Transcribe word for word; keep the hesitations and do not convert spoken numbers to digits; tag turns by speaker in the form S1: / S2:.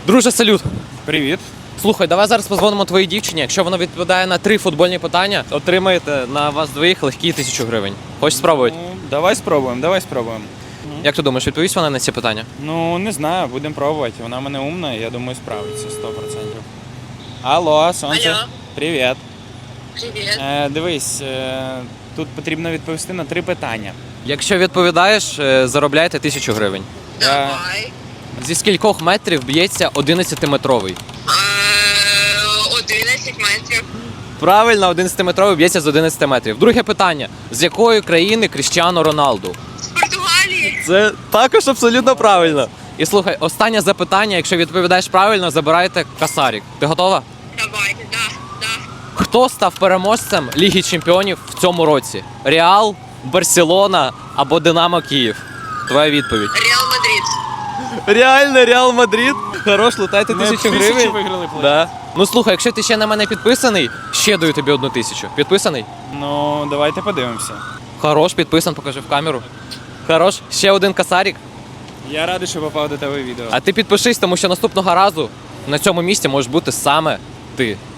S1: Друже, салют.
S2: Привіт.
S1: Слухай, давай зараз позвонимо твоїй дівчині. Якщо вона відповідає на три футбольні питання, отримаєте на вас двоїх легкі тисячу гривень. Хочеш спробувати?
S2: Ну, давай спробуємо, давай спробуємо.
S1: Як ти думаєш, відповість вона на ці питання?
S2: Ну, не знаю, будемо пробувати. Вона в мене умна, я думаю, справиться сто відсотків. Алло, сонце.
S3: Алло.
S2: Привіт.
S3: Привіт.
S2: Е, дивись, е, тут потрібно відповісти на три питання.
S1: Якщо відповідаєш, е, заробляєте тисячу гривень.
S2: Я...
S3: Давай.
S1: Зі скількох метрів б'ється одинадцятиметровий?
S3: Е, одинадцять метрів.
S1: Правильно, одинадцятиметровий б'ється з одинадцяти метрів. Друге питання. З якої країни Кріштіану Роналду?
S3: З Португалії.
S1: Це також абсолютно правильно. І слухай, останнє запитання, якщо відповідаєш правильно, забираєте касарік. Ти готова?
S3: Давайте, да, да.
S1: Хто став переможцем Ліги Чемпіонів в цьому році? Реал, Барселона або Динамо Київ? Твоя відповідь.
S3: Реал Мадрид.
S1: Реально, Реал Мадрид. Хорош, лутайте
S2: Ми
S1: тисячу
S2: тисячу
S1: гривень.
S2: виграли, плей.
S1: Да. Ну слухай, якщо ти ще на мене підписаний, ще даю тобі одну тисячу. Підписаний?
S2: Ну, давайте подивимося.
S1: Хорош, підписан, покажи в камеру. Хорош, ще один касарік.
S2: Я радий, що попав до тебе відео.
S1: А ти підпишись, тому що наступного разу на цьому місці можеш бути саме ти.